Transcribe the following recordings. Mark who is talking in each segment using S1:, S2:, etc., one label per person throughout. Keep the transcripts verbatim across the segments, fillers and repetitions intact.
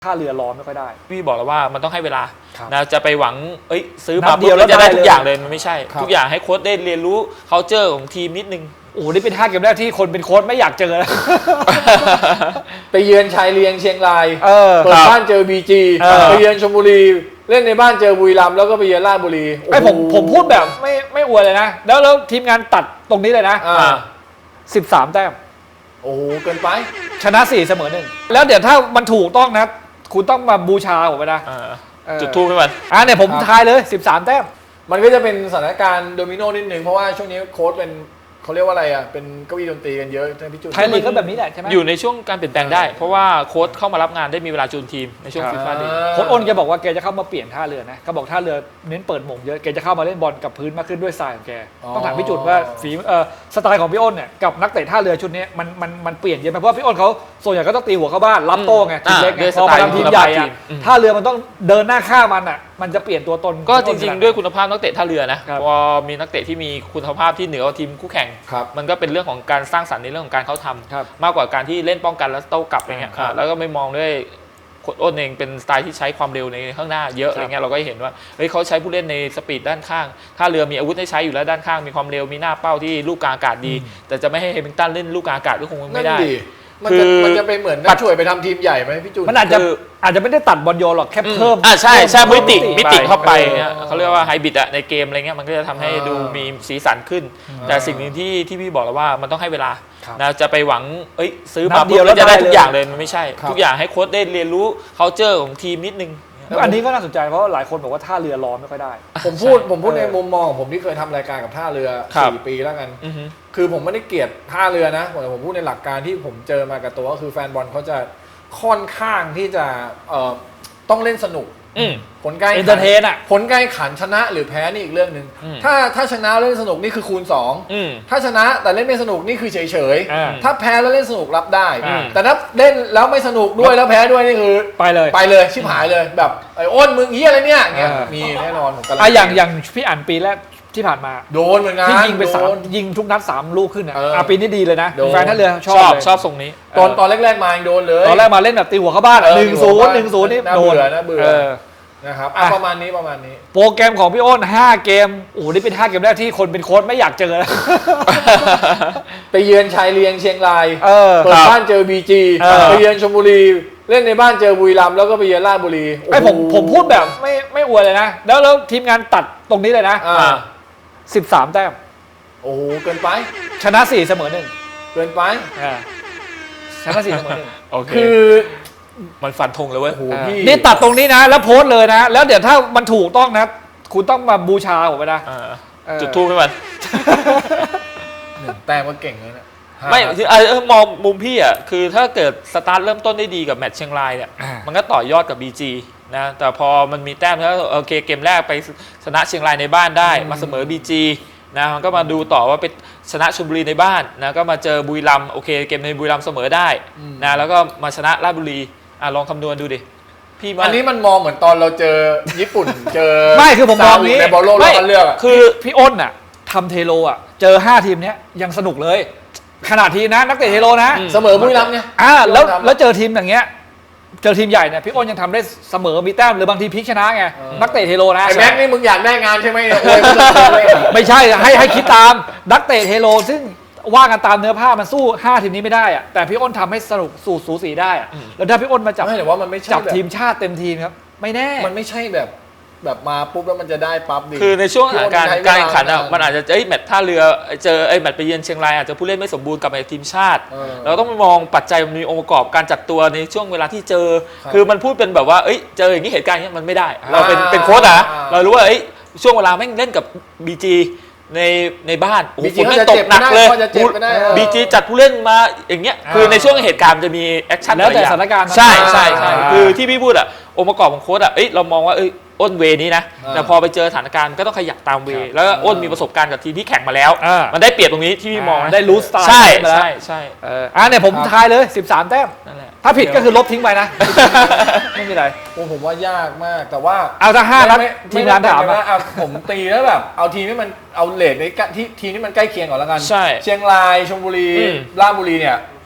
S1: ท่าเรือรอไม่ค่อยได้
S2: พี่บอกแล้วว่ามันต้องให้เวลานะจะไปหวังเอ้ยซื้อมา
S1: เดียวแล้ว
S2: จะได้
S1: ได้
S2: ทุกอย่างเลยมันไม่ใช่ทุกอย่างให้โค้ชได้เรียนรู้ culture ของทีมนิดนึง
S1: โอ้โหนี่เป็นห้าเกมแรกที่คนเป็นโค้ชไม่อยากเจอแล้ว
S3: ไปเยือนชายเลียงเชียงราย
S1: เออ
S3: เปิดบ้านเจอบีจีไปเยือนชลบุรีเล่นในบ้านเจอบุรีรัมย์แล้วก็ไปเยือนราชบุรี
S1: ไอผมผมพูดแบบไม่ไม่อวยเลยนะแล้วแล้วทีมงานตัดตรงนี้เลยนะสิบสามแต้ม
S3: โอ้โหเกินไป
S1: ชนะสี่เสมอหนึ่งแล้วเดี๋ยวถ้ามันถูกต้องนะคุณต้องมาบูชาผมไปนะ
S2: จุดทูบให้มัน
S1: อ่ะเนี่ยผมทายเลยสิบสามแต้ม
S3: มันก็จะเป็นสถานการณ์โดมิโนนิดนึงเพราะว่าช่วงนี้โค้ชเป็นเขาเรียกว่าอะไรอ่ะเป็นเก้าอี้ดนตรีกันเยอะท่านพี่จุน
S1: ไทยลีกก็แบบนี้แหละใช่ไหม
S2: อยู่ในช่วงการเปลี่ยนแปลงได้เพราะว่าโค้ชเข้ามารับงานได้มีเวลาจูนทีมในช่วงฟีฟ่าเดย์
S1: โค้ชอ้นแกบอกว่าแกจะเข้ามาเปลี่ยนท่าเรือนะเขาบอกท่าเรือเน้นเปิดหม่งเยอะแกจะเข้ามาเล่นบอลกับพื้นมากขึ้นด้วยสไตล์ของแกต้องถามพี่จุนว่าฝีเอ่อสไตล์ของพี่อ้นเนี่ยกับนักเตะท่าเรือชุดนี้มันมันมันเปลี่ยนเยอะไหมเพราะว่าพี่อ้นเขาส่วนใหญ่ก็ต้องตีหัวเข้าบ้านรับโต้ไงทีมเล็กพอมาทำทีมใหญ่อะท่าเรือมันต้องเดินหน้าฆ่ามันอ่ะมันจะเปลี่ยนตัวตน
S2: ก็จริงๆด้วยคุณภาพนักเตะท่าเรือนะพอมีนักเตะที่มีคุณภาพที่เหนือกว่าทีมคู่แข่งมันก็เป็นเรื่องของการสร้างสรรค์ในเรื่องของการเข้าทำมากกว่าการที่เล่นป้องกันแล้วโต้กลับอะไรเงี้ยแล้วก็ไม่มองด้วยโค้ชอ้นเองเป็นสไตล์ที่ใช้ความเร็วในข้างหน้าเยอะอะไรเงี้ยเราก็เห็นว่าเฮ้ยเขาใช้ผู้เล่นในสปีดด้านข้างท่าเรือมีอาวุธให้ใช้อยู่แล้วด้านข้างมีความเร็วมีหน้าเป้าที่ลูกกลางอากาศดีแต่จะไม่ให้เฮมิงตันเล่นลูกกลางอากาศก็คงไม่ได้
S3: มันจะมันจะไปเหมือนนักช่วยไปทำทีมใหญ่ไหมพี่จูน
S1: มันอาจจะอาจจะไม่ได้ตัดบอลโยนหรอกแค่เพิ่ม
S2: อ่าใช่ใช่มิติมิติเข้าไปเขาเรียกว่าไฮบริดอะในเกมอะไรเงี้ยมันก็จะทำให้ดูมีสีสันขึ้นแต่สิ่งหนึ่งที่ที่พี่บอกแล้วว่ามันต้องให้เวลานะจะไปหวังเอ้ยซื้อมาเดียวแล้วจะได้ทุกอย่างเลยมันไม่ใช่ทุกอย่างให้โค้ชได้เรียนรู้ culture ของทีมนิดนึง
S1: อันนี้ก็น่าสนใจเพราะหลายคนบอกว่าท่าเรือรอไม่ค่อยได้
S3: ผมพูดผมพูดในมุมมองผมที่เคยทำรายการกับท่าเรือสี่ปีแล้วกันคือผมไม่ได้เกลียดท่าเรือนะแต่ผมพูดในหลักการที่ผมเจอมากับตัวก็คือแฟนบอลเขาจะค่อนข้างที่จะต้องเล่นสนุกผลการ
S1: เอนเตอร์เทนอ่ะ
S3: ผลการขันชนะหรือแพ้นี่อีกเรื่องหนึ่งถ้าถ้าชนะเล่นสนุกนี่คือคูณสองถ้าชนะแต่เล่นไม่สนุกนี่คือเฉยเฉยถ้าแพ้แล้วเล่นสนุกรับได้แต่ถ้าเล่นแล้วไม่สนุกด้วยแล้วแพ้ด้วยนี่คือ
S1: ไปเลย
S3: ไปเลยชิบหายเลยแบบไอ้อ้นมึงเฮียอะไรเนี่ยเงี้ยมีแน่นอนผมกำลัง
S1: อย่างอย่างพี่อ่านปีแรกที่ผ่านมา
S3: โดนเหมือนกัน
S1: ที่ยิงไปสามยิงทุกนัดสามลูกขึ้นอ่ะอ่ะปีนี้ดีเลยนะแฟนท่าเรือชอบ
S2: ชอบทรงนี้
S3: ตอนตอนแรกๆมาโดนเลย
S1: ตอนแรกมาเล่นแบบตีหัวเข้าบ้านหนึ่งศูนย์หนึ่งศูนย์นี่โดน
S3: นะเบื่อนะครับประมาณนี้ประมาณนี้
S1: โปรแกรมของพี่อ้นห้าเกมโอ้โหนี่เป็นห้าเกมแรกที่คนเป็นโค้ชไม่อยากเจอแล้ว
S3: ไปเยือนชายเลียงเชียงรายเปิดบ้านเจอบีจีไปเยือนชลบุรีเล่นในบ้านเจอบุรีรัมย์แล้วก็ไปเยือนราชบุรี
S1: ไอผมผมพูดแบบไม่ไม่อวยเลยนะแล้วแล้วทีมงานตัดตรงนี้เลยนะสิบสามแต้ม
S3: โอ้โหเกินไป
S1: ชนะสี่เสมอหนึ่ง
S3: เกินไป
S1: ชนะสี่เสมอหนึ่ง
S3: คือ
S2: มันฟันธงเลยเว้ย
S1: นี่ตัดตรงนี้นะแล้วโพสเลยนะแล้วเดี๋ยวถ้ามันถูกต้องนะคุณต้องมาบูชาผมไปนะ
S2: จุดทูบให้มัน
S3: หนึ่งแต้มก็เก่งเลยนะ
S2: ไม่คือเออมองมุมพี่อ่ะคือถ้าเกิดสตาร์ทเริ่มต้นได้ดีกับแมตช์เชียงรายเนี่ยมันก็ต่อยอดกับ บี จี นะแต่พอมันมีแต้มแล้วโอเคเกมแรกไปชนะเชียงรายในบ้านได้มาเสมอ บี จี นะมันก็มาดูต่อว่าเป็นชนะชลบุรีในบ้านนะก็มาเจอบุรีรัมย์โอเคเกมในบุรีรัมย์เสมอได้นะแล้วก็มาชนะราชบุรีอ่ะลองคำนวณดูดิ
S3: พี่อันนี้มันมองเหมือนตอนเราเจอญี่ปุ่นเจอ
S1: ไม่คือผมมองนี้
S3: ในบอลโลกเราเลือก
S1: คือพี่อ้นอ่ะทำเทโลอ่ะเจอห้าทีมเนี้ยยังสนุกเลยขนาดทีนะนักเตะเทโลนะ
S3: เสมอบุรีรัมย์เนี่ย
S1: อ่าแล้วแล้วเจอทีมอย่างเงี้ยเจอทีมใหญ่เนี่ยพี่อ้นยังทำได้เสมอมีแต้มหรือบางทีพลิกชนะไงนักเตะเทโลนะ
S3: ไอ้แม็กนี่มึงอยากได้งานใช่ไหม
S1: ไม่ใช่ให้ให้คิดตามนักเตะเทโลซึ่งว่ากันตามเนื้อผ้ามันสู้ห้าทีมนี้ไม่ได้อะแต่พี่อ้นทำให้สนุกสู่สูสีได้อะแล้วถ้าพี่อ้นมาจับ
S3: ไม่แต่ว่ามันไม่
S1: จับทีมชาติเต็มทีมครับไม่แน่
S3: มันไม่ใช่แบบแบบมาปุ๊บแล้วมันจะได้ปั๊บดิ
S2: คือในช่วงการการแข่งขันอ่ะมันอาจจะเอ้ยแมตช์ท่าเรือเจอไอ้แมตช์ไปเยือนเชียงรายอาจจะผู้เล่นไม่สมบูรณ์กับในทีมชาติเราต้องมองปัจจัยมันมีองค์ประกอบการจัดตัวในช่วงเวลาที่เจอคือมันพูดเป็นแบบว่าเอ้ยเจออย่างนี้เหตุการณ์นี้มันไม่ได้เราเป็นเป็นโค้ชอ่ะเรารู้ว่าเอ้ยช่วงเวลาแม่งเล่นกับ บี จีในในบ้าน
S3: บีจีจะตกหนักเลย
S2: บีจีจัดผู้เล่นมาอย่างเงี้ยคือในช่วงเหตุการณ์จะมีแอคชั่น
S1: แล้วแต่สถานการณ์
S2: ใช่ใช่ใช่คือที่พี่พูดอ่ะองค์ประกอบของโค้ชอ่ะเอ้ยเรามองว่าเอ้ยอ้นเวนี้นะแต่พอไปเจอสถานการณ์ก็ต้องขยับตามเวแล้วอ้นมีประสบการณ์กับทีมที่แข่งมาแล้วมันได้เปรียบตรงนี้ที่พี่มอง
S1: ได้รู้สไตล์
S2: ใช่ใช่ใช่
S1: อ่าเนี่ยผมทายเลยสิบสามแต้มถ้าผิดก็คือลบทิ้งไปนะไม่มีอะไร
S3: โอ้ผมว่ายากมากแต่ว่า
S1: เอาถ้าห้านัดทีมงานถาม
S3: ว่าผมตีแล้วแบบเอาทีมที่มันเอาเลทในที่ทีมที่มันใกล้เคียงก่อนแล้วกัน
S2: ใช่
S3: เชียงรายชลบุรีราชบุรีเนี่ย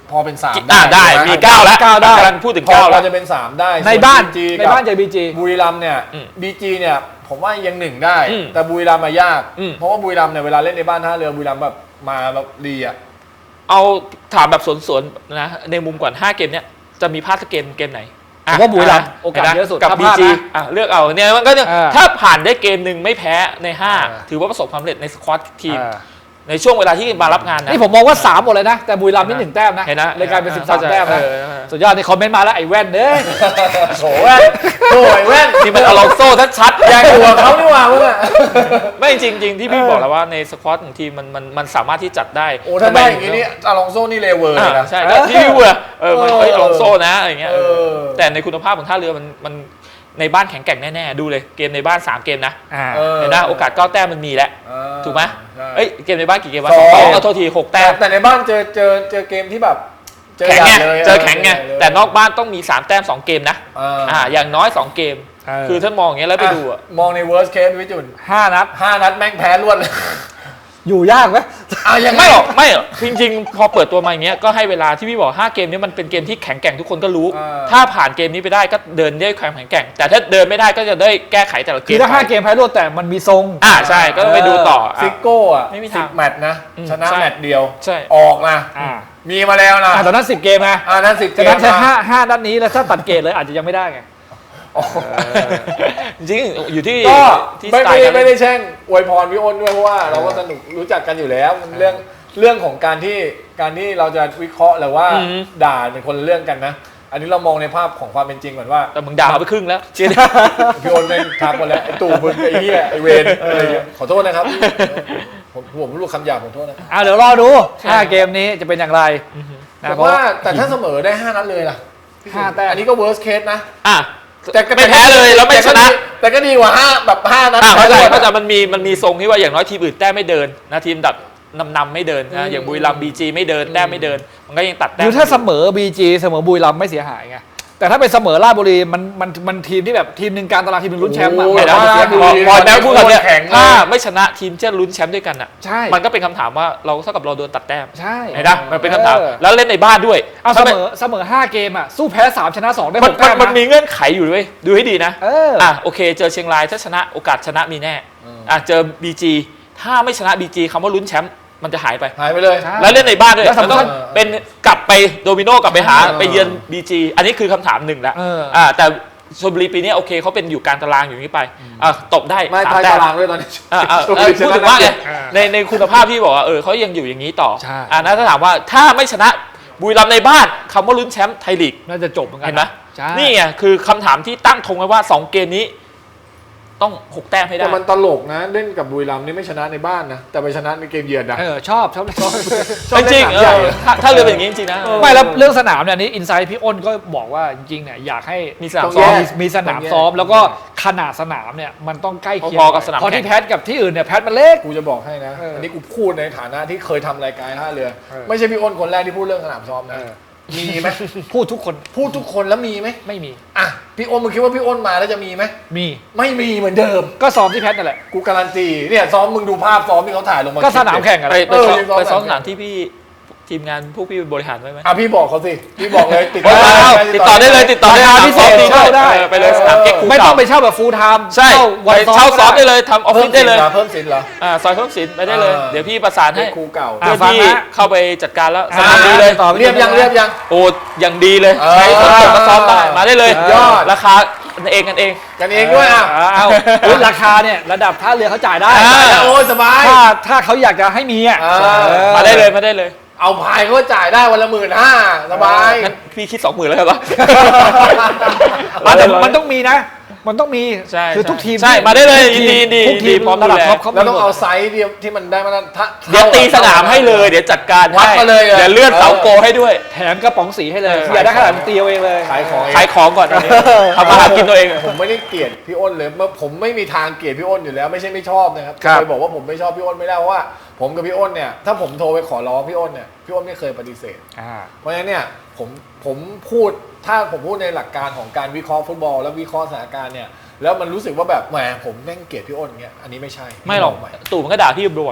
S3: พอเป็นสาม
S2: อ่าได้
S3: ใช่ห
S2: มีเก้าแล้ว
S1: เก้าได้
S2: กำลังพูดถึง
S3: พอ
S2: เก้า
S3: เรา
S2: แล้ว
S3: จะเป็นสามได้
S1: ในบ้าน
S3: จี
S1: ในบ้านเจอบีจี
S3: บุรีรัมย์เนี่ย
S2: อืม
S3: บีจีเนี่ยผมว่ายังหนึ่งได้
S2: อืม
S3: แต่บุรีรัมย์มายาก
S2: อืม
S3: เพราะว่าบุรีรัมย์เนี่ยเวลาเล่นในบ้านท่าเรือบุรีรัมย์แบบมาแบบดีอ่ะ
S2: เอาถามแบบสวนๆนะในมุมก่อนห้าเกมเนี้ยจะมีพลาดสักเกมเกมไหน
S1: ผมว่าบุรีรัมย์โอกาสเยอะสุด
S2: กับ
S1: ถ้าพ
S2: บี
S1: ลาด
S2: จี
S1: นะ
S2: อ่ะเลือกเอาเนี่ยมันก็เนี่ย
S1: อ่า
S2: ถ้าผ่านได้เกมหนึ่งไม่แพ้ในห้า
S1: อ่า
S2: ถือว่าประสบความสำเร็จในสควอตทีม
S1: อ่า
S2: ในช่วงเวลาที่มารับงานนะ
S1: นี่ผมมองว่าสามหมดเลยนะ แต่บุรีรัมย์นี่หนึ่งแต้มนะ
S2: เห็นนะ
S1: เลยกลายเป็นสิบสาม
S2: เข้าใจ
S1: แต้มนะ
S2: เออ
S1: สุดยอดนี่คอมเมนต์มาแล้วไอ้แว่นเด้ย
S3: โถแว่นโถไอ้แว่น
S2: นี่มันอลองโซ่ชัดๆ
S3: แย่กว่าเขานี่หว่ามึงอ่ะ
S2: ไม่จริงๆที่พี่บอกแล้วว่าในสควอตของทีมมันมันมันสามารถที่จัดได้
S3: โอ้ถ้าได้อย่างนี้นี่อลองโซ่นี่เลเวอร์
S2: อ่า
S3: เลยนะ
S2: ใช่ก็ที่พี่เวอร์เออมัน
S3: เออ
S2: เอ้ยอลองโซ่นะอะไรเงี้ย
S3: เออ
S2: แต่ในคุณภาพของท่าเรือมันมันในบ้านแข็งแกร่งแน่ๆดูเลยเกมในบ้านสามเกมนะ
S1: อ่า
S3: เออ
S2: เห็นนะโอกาสเก้าแต้มมันมีแล้ว
S3: เออ
S2: ถูกไหม
S3: ใช่
S2: เอ้ยเกมในบ้านกี่เกมวะ
S3: สอง
S2: สองเอาโทษทีหก
S3: แต่
S2: แต้ม
S3: แต่ในบ้านเจอเจอเจอเกมที่แบบเจอ
S2: แข็งไง
S3: ใหญ่ลย
S2: เจอแข็งไง
S3: เจใหญ่เลย
S2: แต่นอกบ้านต้องมีสามแต้มสองเกมนะ
S3: เออ
S2: อ่าอย่างน้อยสองเกม
S1: เออ
S2: คือท่านมองอย่างเงี้ยแล้วไปดูอ่ะ
S3: มองใน worst case วิจุน
S1: ห้านัด
S3: ห้านัดแม่งแพ้รวดเลย
S1: อยู่ยากไหม
S3: อ่ะยังไง
S2: ไม่หรอกไม่หรอกจริงๆ พอเปิดตัวมาอย่างเงี้ยก็ให้เวลาที่พี่บอกห้าเกมนี้มันเป็นเกมที่แข็งแกร่งทุกคนก็รู้
S3: เออ
S2: ถ้าผ่านเกมนี้ไปได้ก็เดินได้ความแข็งแกร่ง แต่ถ้าเดินไม่ได้ก็จะได้แก้ไขแต่ละเก
S1: คือ
S2: ม
S1: ถ้าห้าเกมแพ้รวดแต่มันมีทรง
S2: อ่าใช่ก็ต้องไปดูต่ออ่ะ
S3: ซิโก้อ่ะ
S2: ไม่มี
S3: สิ
S2: ทาง
S3: บแมตช์นะ
S2: อืม
S3: ชนะ
S2: ใช่
S3: แมตช์เดียว
S2: ใช่
S3: ออกนะ
S1: อ่า
S3: มีมาแล้วนะ
S1: อ่าตอนนั้นสิบเกมนะ
S3: อ่านั้นสิบเก
S1: ฉะ
S3: ม
S1: นั้นใช้
S3: นะ
S1: ห้าห้านัดนี้แล้วถ้าตัดเกรดเลยอาจจะยังไม่ได้ไง
S3: โอ้โห
S2: จริงๆอยู่ที่
S3: ก็
S2: ที่
S3: ไม่
S2: สไต
S3: ไม่
S2: ล์
S3: ได้
S2: การ
S3: ไม่
S2: เล่
S3: ได้
S2: น
S3: แช่งอวยพรพี่อ้นด้วยเพราะว่าเราก็สนุกรู้จักกันอยู่แล้วมันเรื่องเรื่องของการที่การที่เราจะวิเคราะห์หรือว่า
S2: อืม
S3: ด่าเป็นคนละเรื่องกันนะ อันนี้เรามองในภาพของความเป็นจริงก่อนว่า
S2: แต่มึงด่าไปครึ่งแล้ว
S3: พี่อ้นไม่ทักมาแล้วไอ้ตู่มึงไอ้เหี้ยไอ้เวรอะไรอย่างเงี้ยขอโทษนะครับผมผมรู้คำหยาบผมโทษนะ
S1: อ่าเดี๋ยวรอดูห้าเกมนี้จะเป็นอย่างไรนะ
S3: แต่
S1: เพราะ
S3: ว่าแต่ถ้าเสมอได้ห้านัดเลยล่ะ
S1: ห้าแต้ม
S3: อันนี้ก็ worst case นะ
S2: อ่ะ
S3: แต่ก็
S2: ไม่แพ้เลยแล้วไม่ชนะ
S3: แต่ก็ดีกว่าห้าแบบห้านัด
S2: อ่ะเข้าใจ
S3: แพ้รวด
S2: เข้าใจมันมีมันมีทรงที่ว่าอย่างน้อยทีมอื่นแต้มไม่เดินนะทีมดับนำนำไม่เดินนะอย่างบุรีรัมย์บีจีไม่เดินแต้มไม่เดิน มันก็ยังตัดแต้
S1: ห
S2: ม
S1: รือถ้าเสมอ บี จี เสมอบุรีรัมย์ไม่เสียหายไงแต่ถ้าเป็นเสมอราชบุรีมันมันมันทีมที่แบบทีมหนึ่งกลารตารางทีมหนึ่งลุ้นแชมป์อะ
S3: โอ้
S2: ไม่
S3: ย
S2: ได้
S3: ราชบุ
S2: พอ
S3: รี
S2: พอแล้วพูดกันเนี่ย
S3: แข็งเลย
S2: ถ้าไม่ชนะทีมจะลุ้นแชมป์ด้วยกันอ่ะ
S1: ใช่
S2: มันก็เป็นคำถามว่าเราเท่ากับเราโดนตัดแต้ม
S1: ใช่
S2: เห็นปะมันเป็นคำถาม
S1: ออ
S2: แล้วเล่นในบ้านด้วย
S1: เอาเส
S2: ถ้าม
S1: อเสมอห้าเกมอ่ะสู้แพ้สามชนะสองได้
S2: มั
S1: ห
S2: น
S1: ก
S2: มั
S1: แต้
S2: น
S1: ม
S2: มันมี
S1: นะ
S2: เงื่อนไขอยู่ด้วยดูให้ดีนะ
S1: เออ
S2: อ่ะโอเค เจอเชียงรายถ้าชนะโอกาสชนะมีแน่อ่ะเจอ บี จี ถ้าไม่ชนะ บี จี คำว่าลุ้นแชมป์มันจะหายไป
S3: หายไปเลย
S1: ใช่
S2: แล้วเล่นในบ้านด้วย
S1: แล้วสำคัญ
S2: มันต้องเป็นกลับไปโดมิโนกลับไปหา
S3: เออ
S2: ไปเยือน บี จี อันนี้คือคำถามหนึ่งแล้ว
S1: เออ
S2: อ่าแต่ชลบุรีปีนี้โอเคเขาเป็นอยู่กลางตารางอยู่นี้ไปอ่ะตบได้
S3: ไม่
S2: สาม
S3: ทาย
S2: แต้
S3: ตาม รางด้วยตอนนี้
S2: อ่ะอ่ะ
S3: ชล
S2: เอ
S3: บุ
S2: อ
S3: รี
S2: พูด
S3: ช
S2: ถึ
S3: นะ
S2: งว่าไง
S1: อ่า
S2: ในในคุณภาพที่บอกว่าเออเขายังอยู่อย่างนี้ต่อ
S1: ใช่
S2: อ่านะถ้าถามว่าถ้าไม่ชนะบุรีรัมย์ในบ้านคำว่าลุ้นแชมป์ไทยลีก
S1: น่าจะจบเหมือนกั
S2: เห็นไหม
S1: ใช่
S2: นี่ไงคือคำถามที่ตั้งธงไว้ว่าสองเกมนี้ ต้องหกแต้มให้ได้
S3: แต่มันตลกนะเล่นกับบุรีรัมย์นี่ไม่ชนะในบ้านนะแต่ไปชนะในเกมเยือนนะ
S1: เออชอบชอบชอบ
S3: ชอบ
S2: จริง
S3: เล่นสนามใหญ่
S2: ๆเออถ้าถ้าเรือเป็นอย่างนี้จริงๆนะ
S1: ไม่แล้วเรื่องสนามเนี่ยนี่อินไซด์พี่อ้นก็บอกว่าจริงๆเนี่ยอยากให้
S2: มีสนาม
S3: ต้อง
S2: ซ้อม
S3: แย
S1: มี
S3: ก
S1: มีสนามซ้อมแล้วก็ขนาดสนามเนี่ยมันต้องใกล้เคียง
S2: พอๆกับสนาม
S1: เพราะที่
S2: แข่ง
S1: แพทกับที่อื่นเนี่ยแพทมันเล็ก
S3: กูจะบอกให้นะ
S1: เอออั
S3: อันนี้กูพูดในฐานะที่เคยทำรายการท่าเรือ
S1: เออ
S3: ไม่ใช่พี่อ้นคนแรกที่พูดเรื่องสนามซ้อมนะ
S1: เออ
S3: มีไหม
S1: พูดทุกคน
S3: พูดทุกคนแล้วมีไหม
S1: ไม่มี
S3: อ่ะพี่อ้นมึงคิดว่าพี่อ้นมาแล้วจะมีไหม
S1: มี
S3: ไม่มีเหมือนเดิม
S1: ก็ซ้อมที่แพทนั่นแหละ
S3: กูการันตีเนี่ยซ้อมมึงดูภาพซ้อมที่เขาถ่ายลงมา
S1: ก็สนามแข่งอะ
S2: ไป
S1: ไร
S2: ไปซ้อม
S3: เออยังซ้อม
S2: ไปซ้อม
S3: แบบ
S2: สนามที่พี่ทีมงานพวกพี่บริหารไว้ไหม
S3: อ่ะพี่บอกเขาสิพี่บอกเลยติด
S2: โอ้ยเอาติดต่อได้เลยติดต่อได้
S1: ราคาพิเศษ
S2: สนามซ้อม
S1: เช่าได้
S2: เออไปเลยสนามเก๊กคู
S1: ไม่ต้อง
S2: เก่า
S1: ไปเช่าแบบฟูลไทม์
S2: ใช่ไปเช่าซ้อมได้เลยทำออฟ
S3: เพิ่
S2: ฟิ
S3: ม
S2: ศ
S3: สิ
S2: ได้
S3: น
S2: เลย
S3: เหรอเพิ่มสินเหรอ
S2: อ่าซอยเพิ่มสินไปได้เลย
S3: อ่า
S2: เดี๋ยวพี่ประสานให้
S3: เก๊กคูเก่า
S1: อ่ะ
S2: เพื่อที่
S1: ฟังนะ
S2: เข้าไปจัดการแล้วส
S1: อ่า
S2: นามดีเลย
S1: ต่อ
S3: เรียบยังเรียบยัง
S2: โอ้ยังดีเลย
S3: เออ
S2: ใช้คนจบก็ซ้อมได้มาได้เลย
S3: ยอด
S2: ราคากันเองกันเอง
S3: กันเองด้วยอ่ะ
S1: เอาอุ๊ยราคาเนี่ยระดับท่าเรือเขาจ่ายได้
S2: อ่า
S3: โอ้ยสบาย
S1: ถ้าถ้าเขาอยากจะให้มีอ่ะ
S3: อ่า
S1: เออ
S2: มาได้เลยมาได้เลย
S3: เอาพายเขาก็จ่ายได้วันละหมื่นห้าสบาย
S2: งั้นพี่คิดสองหมื่นแล้วเหรอ
S1: อ่ะแต่มันต้องมีนะ มันต้องมี
S2: ใช่
S1: คือ
S2: ใช่
S1: ทุกทีม
S2: ใช่มาได้เลย
S1: ทุกทีม
S2: ยินดี
S1: ทุกทีม
S2: ยินดีพร้อม
S1: ระดับ
S2: ดูแล
S1: ท็อปเขา
S3: แล้วต้อง
S1: มีหมด
S3: เอาไซส์เดียวที่มันได้มาตรฐาน
S2: เดี๋ยวตีสนามให้เลยเดี๋ยวจัดการ
S3: วัด
S2: ให้
S3: มาเลยอะ
S2: เดี๋ยวเลื่อนเสาโกให้ด้วย
S1: แถมกระป๋องสีให้เลย
S2: เออ
S1: อย่าได้ขนาดตีเอาเองเลย
S3: ขายของเอง
S2: ขายของก่อนตอนนี้ทำมาหากินตัวเอง
S3: ผมไม่ได้เกลียดพี่อ้นเลยเมื่อผมไม่มีทางเกลียดพี่อ้นอยู่แล้วไม่ใช่ไม่ชอบนะครับ
S1: ครับ
S3: เคยบอกว่าผมไม่ชอบพี่อ้นไม่ได้เพราะว่า ผมกับพี่อ้นเนี่ยถ้าผมโทรไปขอร้องพี่อ้นเนี่ยพี่อ้นไม่เคยปฏิเสธ
S1: อ่า
S3: เพราะฉะนั้นเนี่ยผมผมพูดถ้าผมพูดในหลักการของการวิเคราะห์ฟุตบอล แล้ววิเคราะห์สถานการณ์เนี่ยแล้วมันรู้สึกว่าแบบแหมผมแม่งเกลียดพี่อ้นเงี้ยอันนี้ไม่ใช่
S2: ไม่หรอก
S3: ใหม่
S2: ตู่มันก็ด่าพี่บ่อย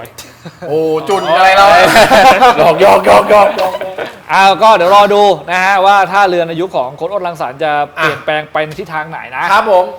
S3: โอ้จุนอะไรเราหยอกหยอกหยอกหยอก
S1: อ้าวก็เดี๋ยวรอดูนะฮะว่าท่าเรือในยุคของโค้ชอ้นรังสรรค์จะเปลี่ยนแปลงไปในทิศทางไหนนะครับ
S3: ผม